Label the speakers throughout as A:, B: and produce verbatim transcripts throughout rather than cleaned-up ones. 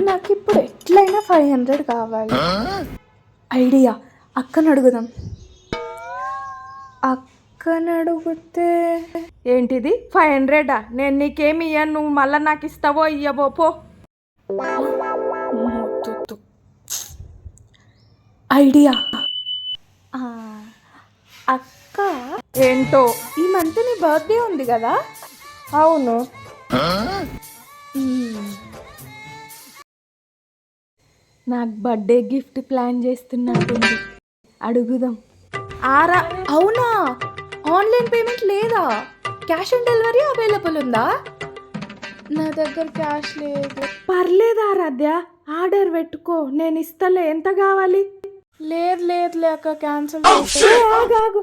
A: నాకు ఇప్పుడు ఎట్లయినా ఫైవ్ హండ్రెడ్ కావాలి. ఐడియా, అక్కని అడుగుదాం. అక్కని అడిగితే
B: ఏంటిది ఫైవ్ హండ్రెడా? నేను నీకేమి ఇయ్యను, నువ్వు మళ్ళీ నాకు ఇస్తావో ఇయ్యవో పో.
A: ఐడియా, అక్క
B: ఏంటో?
A: ఈ మంత్ నీ బర్త్డే ఉంది కదా?
B: అవును.
A: నాకు బర్త్డే గిఫ్ట్ ప్లాన్ చేస్తున్నట్టుంది, అడుగుదాం.
B: ఆరా,
A: అవునా? ఆన్లైన్ పేమెంట్ లేదా? క్యాష్ ఆన్ డెలివరీ అవైలబుల్ ఉందా? నా దగ్గర క్యాష్ లేదు.
B: పర్లేదు ఆరాధ్య, ఆర్డర్ పెట్టుకో, నేను ఇస్తలే. ఎంత కావాలి?
A: లేదు లేదు లేక క్యాన్సిల్.
B: ఆగాగు,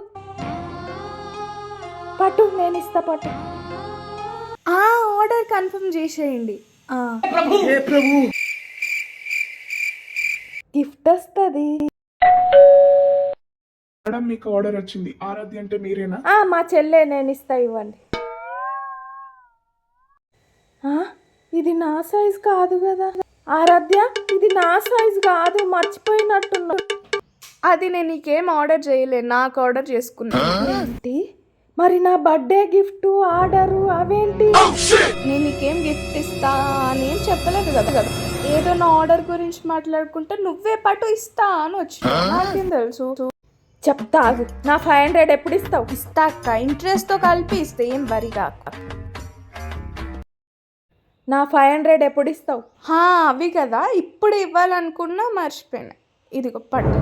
B: పట్టు, నేను ఇస్తా, పట్టు.
A: ఆర్డర్ కన్ఫర్మ్ చేసేయండి.
B: గిఫ్ట్ వస్తుంది.
C: మేడం, మీకు ఆర్డర్ వచ్చింది. ఆరాధ్య అంటే మీరేనా?
B: మా చెల్లె, నేను ఇస్తా, ఇవ్వండి. ఇది నా సైజ్ కాదు కదా ఆరాధ్య, ఇది నా సైజ్ కాదు, మర్చిపోయినట్టున్నా.
A: అది నేను నీకేం ఆర్డర్ చేయలేదు, నాకు ఆర్డర్ చేసుకున్నా.
B: ఏంటి మరి? నా బర్త్డే గిఫ్ట్ ఆర్డరు అవేంటి?
A: నేను నీకేం గిఫ్ట్ ఇస్తా అని ఏం చెప్పలేదు కదా కదా ఏదో నా ఆర్డర్ గురించి మాట్లాడుకుంటే నువ్వే పట్టు ఇస్తా అని వచ్చి నాకేం తెలుసు.
B: చెప్తా, నా ఫైవ్ హండ్రెడ్ ఎప్పుడు ఇస్తావు?
A: ఇస్తా అక్క, ఇంట్రెస్ట్తో కలిపి ఇస్తే ఏం వరిగా అక్క.
B: నా ఫైవ్ హండ్రెడ్ ఎప్పుడు ఇస్తావు?
A: అవి కదా ఇప్పుడు ఇవ్వాలనుకున్నా, మర్చిపోయినా. ఇదిగో పట్టు.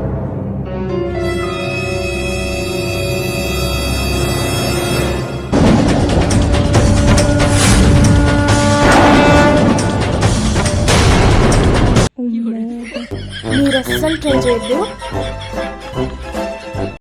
A: మీరు అస్సలు ట్రై చేయద్దు.